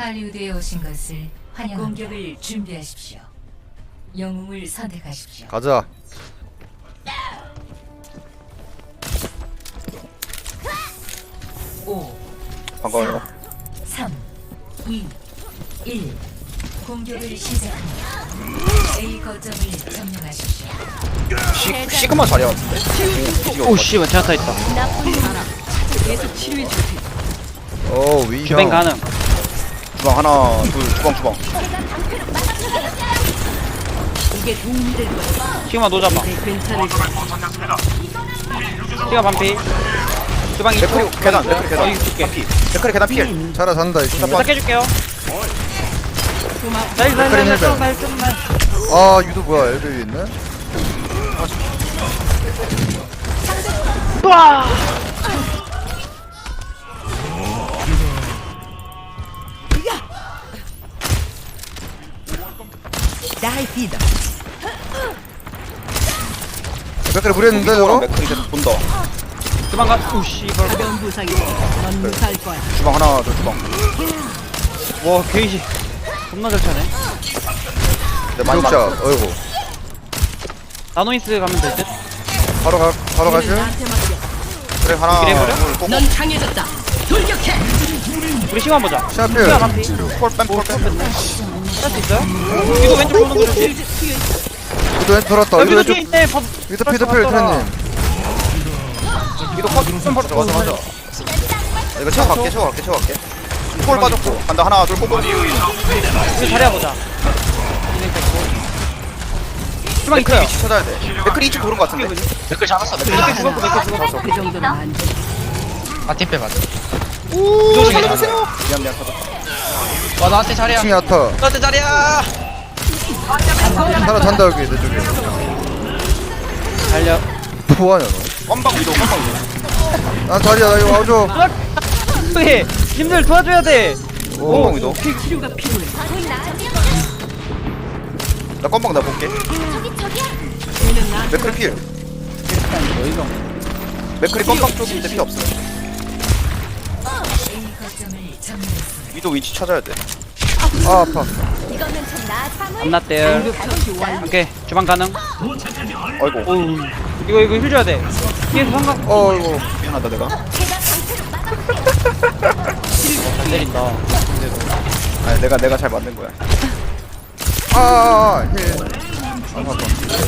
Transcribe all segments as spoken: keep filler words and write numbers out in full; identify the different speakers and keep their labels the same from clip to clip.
Speaker 1: 할리우드에 오신 것을 환영합니다. 공격을 준비하십시오. 영웅을 선택하십시오.
Speaker 2: 가자.
Speaker 1: 오,
Speaker 3: 반가워요.
Speaker 1: 삼, 이, 일. 공격을 시작합니다. A 거점을 점령하십시오.
Speaker 3: 시, 시그마 자리야 같은데?
Speaker 4: 오씨 제나타 있다.
Speaker 2: 오 위형.
Speaker 4: 주뱅 가능.
Speaker 3: 주방 하나 둘 주방 주방
Speaker 4: 시그마 노잡아. 시그마 반피. 주방 이 초.
Speaker 3: 맥크리 계단 맥크리 계단
Speaker 4: 여기 줄게.
Speaker 3: 피 맥크리 계단 필
Speaker 2: 자라 잔다 이 친구.
Speaker 4: 딱 해줄게요. 나이스 나이스
Speaker 2: 그래,
Speaker 4: 나이스
Speaker 2: 해봐.
Speaker 4: 나이스 나이스.
Speaker 2: 아 유도 뭐야 엘베 위에 있네.
Speaker 4: 와.
Speaker 2: 맥크리 무리했는데 저거?
Speaker 3: 맥크리 계단 본다.
Speaker 4: 주방 가. 오씨 이걸.
Speaker 3: 주방 하나 둘 주방.
Speaker 4: 와 게이지. 겁나 잘 차네.
Speaker 3: 네, 많이
Speaker 2: 구독자
Speaker 3: 많이
Speaker 2: 어이구.
Speaker 4: 나노이스 가면 될 듯.
Speaker 2: 바로 가 바로 가실?
Speaker 3: 그래 하나
Speaker 4: 이래버려?
Speaker 3: 둘 꼭.
Speaker 4: 우리 시간 보자.
Speaker 2: 샤필.
Speaker 4: 시간 반피.
Speaker 3: 폴뺀 폴뺀.
Speaker 4: 할수 있어요? 이거 왼쪽 보는 거지.
Speaker 2: 유도 왼쪽 돌았다. 유도
Speaker 4: 여기도 뒤에
Speaker 2: 왼쪽.
Speaker 4: 있네. 법.
Speaker 2: 유도 피도 필 트레님.
Speaker 3: 이거 컷 맞아 맞아 맞아. 이거 채워갈게 채워갈게 채워갈게. 폴 빠졌고 간다 하나 둘 꼭.
Speaker 4: 우리 자리야 보자. 주방
Speaker 3: 맥크리
Speaker 4: 있어요.
Speaker 3: 위치 찾아야 돼. 맥크리 이쪽 도는 거 같은데.
Speaker 4: 댓글 잡았어. 댓글 죽었고 댓글 죽었어.
Speaker 5: 그 정도는 안 돼.
Speaker 4: 마틴 맞아.
Speaker 3: 오 살려주세요. 미안 미안 찾았다.
Speaker 4: 와 나한테 자리야.
Speaker 2: 층이 아타.
Speaker 4: 나한테 자리야.
Speaker 2: 자라 잔다 여기 내 쪽에.
Speaker 4: 달려.
Speaker 2: 뭐하냐 너?
Speaker 3: 껌방 위도 껌방 위도.
Speaker 2: 나 자리야 나 이거 와줘.
Speaker 4: 저기 님들 도와줘야 돼.
Speaker 3: 껌방 위도.
Speaker 5: 치료가 필요해.
Speaker 3: 나 껌방 나 볼게.
Speaker 5: 얘는 나한테
Speaker 3: 맥크리 필. 맥크리 껌방 쪽인데 필요 없어.
Speaker 1: A 거점을 점령했습니다.
Speaker 3: 위도 위치 찾아야 돼.
Speaker 2: 아 아파.
Speaker 4: 안났대요.
Speaker 5: 응급처치 완료.
Speaker 4: 오케이 주방 가능.
Speaker 3: 아이고
Speaker 4: 오 이거 이거 힐 줘야 돼. 뒤에서 상각.
Speaker 2: 어이구.
Speaker 3: 미안하다 내가.
Speaker 4: 잘 때린다.
Speaker 3: 아니 내가 내가 잘 만든 거야.
Speaker 2: 아아아 힐. 아 아파.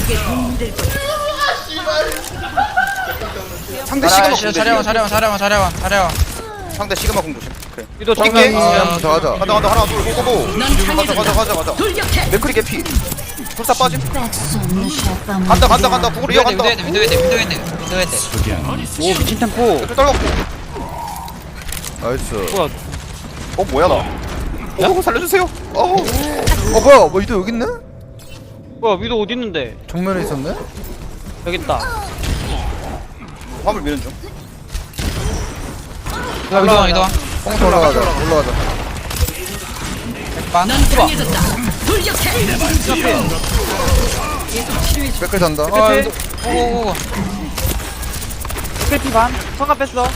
Speaker 3: 상대 시그마 공
Speaker 6: 자려와 자려와 자려와 자려와 자려와
Speaker 3: 상대 시그마 공 조심. 그래.
Speaker 4: 유도
Speaker 3: 정면.
Speaker 4: 정면.
Speaker 2: 아, 한번 더 하자.
Speaker 3: 가자 가자 하나 둘 고고고. 가자 가자 가자 가자. 맥크리 개피. 불사 빠짐. 간다 간다 간다. 북으로 이어간다.
Speaker 6: 미도헤드 미도헤드 미도헤드 미도헤드
Speaker 4: 오 미친 템포.
Speaker 3: 맥크리 떨궜고.
Speaker 2: 나이스.
Speaker 4: 뭐야?
Speaker 3: 어 뭐야 나. 어 살려주세요. 어.
Speaker 2: 어 뭐야 뭐 유도 여기 있네?
Speaker 4: 뭐야 위도 어디 있는데?
Speaker 2: 정면에 있었네?
Speaker 4: 여기 있다.
Speaker 3: 화물 미는 중.
Speaker 6: 미도와 미도와
Speaker 2: 뽕 올라가자 올라가자.
Speaker 6: 반
Speaker 2: 백클 잔다.
Speaker 4: 아,
Speaker 6: 아 오오오
Speaker 4: 스크래피 반. 성갑 뺐어.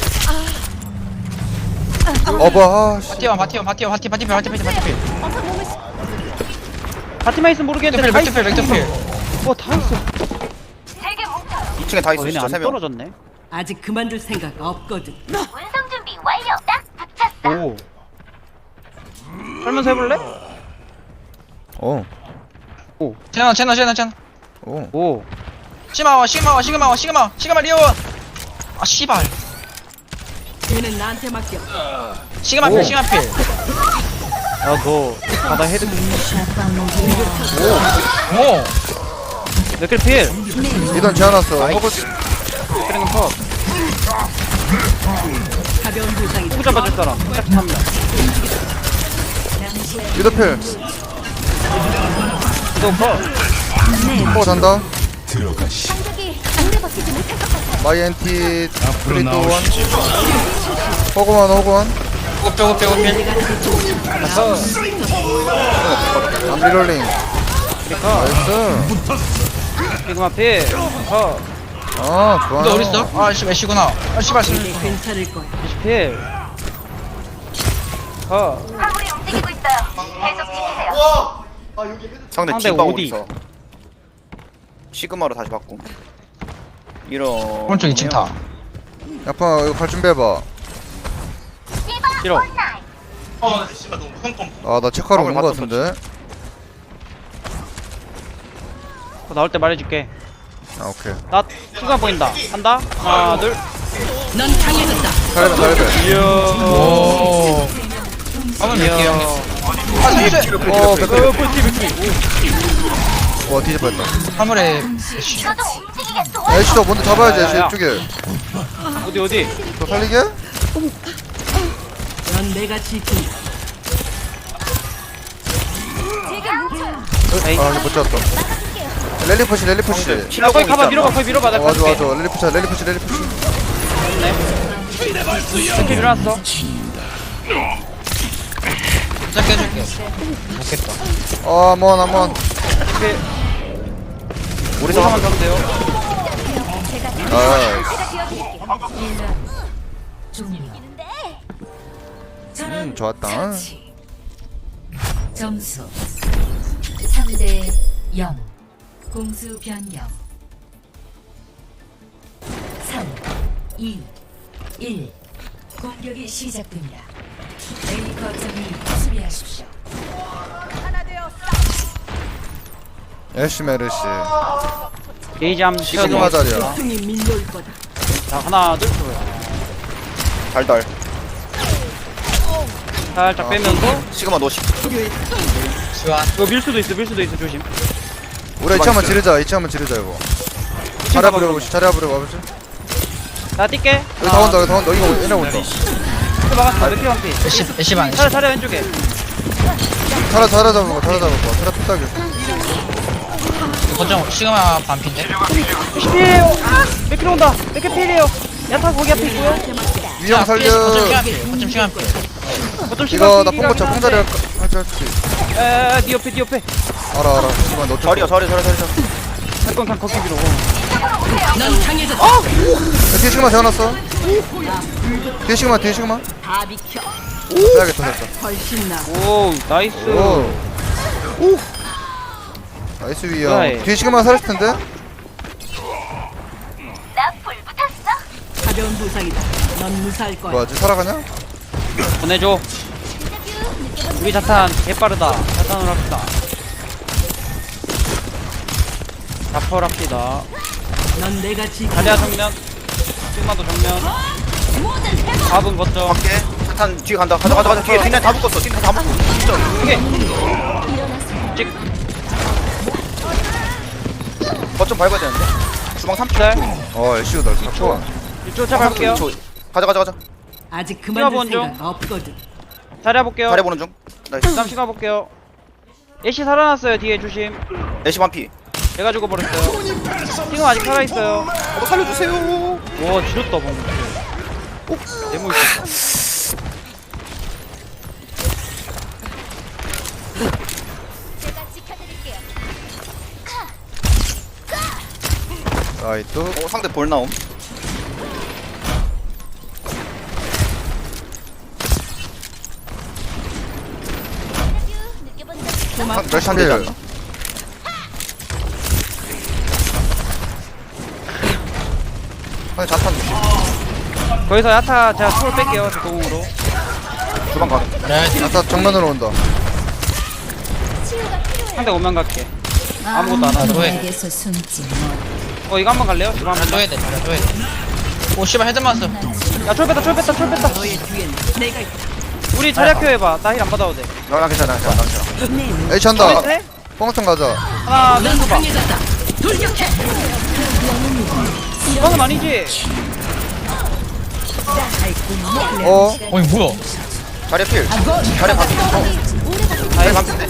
Speaker 2: 어봐 아씨.
Speaker 6: 바티원 바티원 바티원 바티 바티필 바티필 바티필
Speaker 4: 바티만 있으면 모르겠는데.
Speaker 6: 맥투필 맥투필
Speaker 4: 와다 있어.
Speaker 3: 이 층에 다 있어
Speaker 4: 어, 얘네
Speaker 3: 진짜
Speaker 4: 안
Speaker 3: 세 명.
Speaker 4: 떨어졌네.
Speaker 5: 아직 그만둘 생각 없거든.
Speaker 7: 운송 준비 완료. 딱 붙였어.
Speaker 4: 오. 설면서 해볼래?
Speaker 2: 어.
Speaker 6: 채널 채널 채널 채널
Speaker 2: 오.
Speaker 4: 오.
Speaker 6: 시마와 시마와 시그마와 시그마 시그마 리오 아 씨발
Speaker 5: 얘는 나한테 맡겨.
Speaker 6: 시그마 필 시그마 필
Speaker 4: 야너 바다 헤드.
Speaker 6: 오
Speaker 4: 몇킬 필.
Speaker 2: 이던 지어놨어.
Speaker 4: 그리는 컷.
Speaker 5: 가벼운 부상이
Speaker 4: 누구 잡아줄 사람? 딱 잡니다.
Speaker 2: 유도필.
Speaker 4: 유도 컷.
Speaker 2: 뽕 잔다. 마이엔티 플리트 원. 호그만 호그만.
Speaker 6: 빼고 빼고 빼고 필
Speaker 2: 암리롤링.
Speaker 4: 컷.
Speaker 2: 나이스.
Speaker 4: 지금 앞에 컷.
Speaker 2: 아 좋아.
Speaker 6: 너 어딨어? 아 씨발 애쉬구나 아 씨발 씨
Speaker 5: 이제 괜찮을 거야.
Speaker 4: 필. 컷.
Speaker 7: 움직이고 있어요. 계속 지키세요.
Speaker 3: 상대
Speaker 4: 상대
Speaker 3: 뒷방
Speaker 4: 오디.
Speaker 3: 어디서 시그마로 다시 바꿈 이런
Speaker 6: 오른쪽 이 층 타.
Speaker 2: 야파 이거 갈 준비해봐.
Speaker 4: 싫어.
Speaker 2: 아 나 체크하러
Speaker 3: 방울
Speaker 2: 오는 거
Speaker 3: 맞췄어,
Speaker 2: 같은데.
Speaker 4: 그거 나올 때 말해줄게.
Speaker 2: 아 오케이.
Speaker 4: 나 순간 보인다. 한다. 하나 둘.
Speaker 5: 넌 강해졌다.
Speaker 2: 잘해봐 잘해봐.
Speaker 4: 이야.
Speaker 6: 오. 한번 밀게요. 아, 나이스.
Speaker 2: 어 백클.
Speaker 4: 어 꿀팁 꿀팁.
Speaker 2: 와 뒤집어졌다.
Speaker 6: 화물에
Speaker 7: 저도 움직이겠어.
Speaker 2: 애쉬도 먼저 잡아야지
Speaker 4: 야,
Speaker 2: 애쉬
Speaker 4: 야, 야.
Speaker 2: 이쪽에.
Speaker 4: 어디 어디?
Speaker 2: 너 살리게?
Speaker 5: 넌 내가 지킨다.
Speaker 4: 에이.
Speaker 2: 아 이거 못 잡았다. 랠리 푸시 랠리 푸시.
Speaker 4: 야 거기 가봐 밀어봐 거기 밀어봐 나
Speaker 2: 어, 맞아
Speaker 4: 가줄게.
Speaker 2: 맞아 랠리 푸시 랠리 푸시 랠리 푸시.
Speaker 4: 이렇게 밀어놨어.
Speaker 6: 짧게 해줄게. 못겠다.
Speaker 2: 어 한번 한번.
Speaker 4: 이렇게
Speaker 3: 우리
Speaker 4: 하면
Speaker 3: 상황
Speaker 4: 가면 돼요.
Speaker 2: 아
Speaker 1: 종료.
Speaker 2: 음, 좋았다.
Speaker 1: 점수 삼 대 영. 공수 변경. 삼, 이, 일. 공격이 시작됩니다. A 거점을 수비하십시오.
Speaker 2: 애쉬 메르시.
Speaker 4: 게이지 한번
Speaker 2: 시그마
Speaker 4: 채워줘.
Speaker 2: 자리야.
Speaker 5: 승이 밀려올 거다.
Speaker 4: 자 하나 둘.
Speaker 3: 달달
Speaker 4: 살짝 빼면서.
Speaker 3: 시그마 노시
Speaker 6: 수완.
Speaker 4: 이거 밀 수도 있어 밀 수도 있어 조심.
Speaker 2: 우리 이치 한번 지르자 이치 한번 지르자 이거. 자리
Speaker 4: 봐봐,
Speaker 2: 부려 보시 자리 부려 봐보시.
Speaker 4: 나 뛸게.
Speaker 2: 여기 다 온다 여기 다 온다 이거 얘네 온다.
Speaker 4: 또 막았어. 맥피 한피.
Speaker 6: 애쉬, 애쉬 반.
Speaker 4: 차례 차례 왼쪽에.
Speaker 2: 자라 자라 잡은 거 자라 잡은 거 자라 피딱이.
Speaker 6: 거점 시그마 반핀데.
Speaker 4: 피해요. 아! 맥피 온다. 맥피 피해요. 야타 거기 앞에 있고요.
Speaker 2: 위험 살려.
Speaker 6: 거점 시간 필. 거점 시간 필.
Speaker 4: 어쩜
Speaker 2: 이거 나 뽕고쳐 뽕자리 할까 할지 할지.
Speaker 4: 에에 니 옆에 니 옆에.
Speaker 2: 알아 알아. 이만 너
Speaker 3: 자리야 자리 자리 자리 자리
Speaker 4: 잠깐 그냥 걷기 밀어.
Speaker 5: 넌 강해졌다.
Speaker 2: 뒤에 시그마 세워놨어. 뒤에 시그마 뒤에 시그마.
Speaker 5: 다 비켜.
Speaker 2: 빼야겠다 살짝.
Speaker 5: 훨씬 나.
Speaker 4: 오 나이스.
Speaker 2: 오. 나이스 위험.
Speaker 4: 그래.
Speaker 2: 뒤에 시그마 살릴 텐데.
Speaker 7: 나 불 붙었어.
Speaker 5: 가벼운 부상이다. 넌 무사할 거야.
Speaker 2: 뭐야, 지 살아가냐?
Speaker 4: 보내줘. 우리 자탄 개빠르다. 자탄으로 합시다. 자퍼를 합시다.
Speaker 5: 넌 내가 지킨다.
Speaker 4: 자리야 정면. sig마도 정면. 밥은 거점.
Speaker 3: 밖에 차탄 뒤에 간다 가자 가자 가자 뒤에 뒷날 다 묶었어 뒷날 다 묶었어 진짜
Speaker 4: 이게. 찍.
Speaker 3: 거점 밟아야 되는데 주방 삼 초
Speaker 4: 짤.
Speaker 2: 어, 엘씨오 날 잡고.
Speaker 4: 이쪽 차 밟을게요.
Speaker 3: 가자 가자 가자
Speaker 5: 아직 그만둘
Speaker 4: 뛰어본 중.
Speaker 5: 생각 없거든.
Speaker 4: 자리야 볼게요.
Speaker 3: 잘해보는 중 나이스
Speaker 4: 다음 시간 볼게요. 애쉬 살아났어요. 뒤에 조심.
Speaker 3: 애쉬 반피
Speaker 4: 제가 죽어버렸어요. 지금 아직 살아있어요.
Speaker 3: 어 살려주세요
Speaker 4: 와 지렸다 방금. 너무 있어.
Speaker 2: 아이, 또.
Speaker 3: 어 상대 볼 나옴
Speaker 2: 상, 몇 샷이야?
Speaker 3: 되지 않나? 상대 자탄 조심
Speaker 4: 거기서 야타 제가 초를 뺄게요. 저 공으로.
Speaker 3: 주방 가는
Speaker 6: 그래.
Speaker 2: 아까 정면으로 온다.
Speaker 4: 상대 오면 갈게. 아무것도 안 하죠.
Speaker 6: 왜?
Speaker 1: 내게서 숨지
Speaker 4: 어 이거 한번 갈래요? 이거 한번.
Speaker 6: 줘야 돼. 줘야 돼. 오 씨발 헤드 맞았어.
Speaker 4: 야철 뺐다 철 뺐다 철 뺐다.
Speaker 5: 너의 뒤엔 내가 있다.
Speaker 4: 우리 자리 켜 해봐. 나 힐 안 받아도 돼.
Speaker 3: 나 괜찮아 괜찮아 괜찮아
Speaker 2: 에이치 한다.
Speaker 4: 네?
Speaker 2: 뽕통 가자.
Speaker 4: 하나
Speaker 5: 넌
Speaker 4: 둘 봐.
Speaker 5: 강해졌다. 돌격해.
Speaker 4: 이거는 아니지.
Speaker 2: 어?
Speaker 6: 어이 뭐야?
Speaker 3: 자리 필 자리 반피 어 자리 반피인데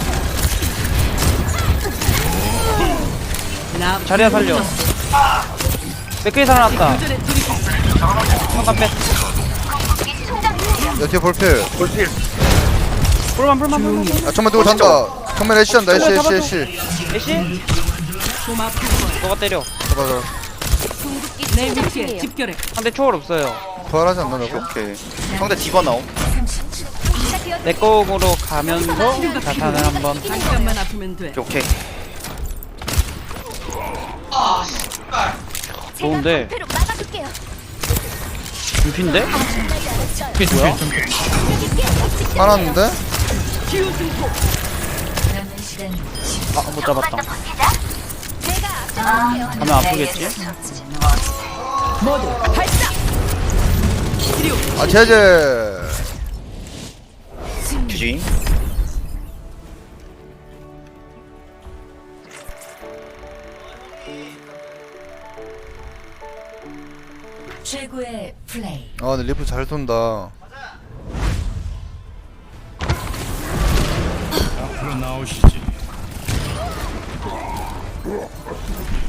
Speaker 5: 나
Speaker 4: 자리야 살려. 맥크리 살아났다.
Speaker 5: 전에 둘이
Speaker 4: 잠깐 빼.
Speaker 2: 야, 뒤에 볼필.
Speaker 3: 볼필
Speaker 4: 불만 불만 불만.
Speaker 2: 아, 정면 누구 잔다. 정면 애쉬 한다. 애쉬, 애쉬, 애쉬.
Speaker 4: 애쉬?
Speaker 5: 고맙고
Speaker 4: 너가 때려.
Speaker 2: 잡아, 잡아.
Speaker 5: 내 위치에 집결해.
Speaker 4: 상대 초월 없어요.
Speaker 2: 부활하지 않나, 저거?
Speaker 3: 오케이 상대 디바 나옴
Speaker 4: 내 거으로 가면서 자탄을 한번.
Speaker 5: 잠깐만 아프면 돼.
Speaker 3: 오케이.
Speaker 4: 좋은데.
Speaker 7: 배로 막아둘게요.
Speaker 4: 준피인데?
Speaker 6: 뭐야?
Speaker 2: 화났는데?
Speaker 1: 남은 시간
Speaker 4: 아, 못 잡았다.
Speaker 7: 버티자.
Speaker 4: 가면 아프겠지?
Speaker 2: 아 제제.
Speaker 3: 주지.
Speaker 1: 최고의 플레이.
Speaker 2: 아 근데 리프 잘 쏜다.
Speaker 8: 앞으로 나오시지.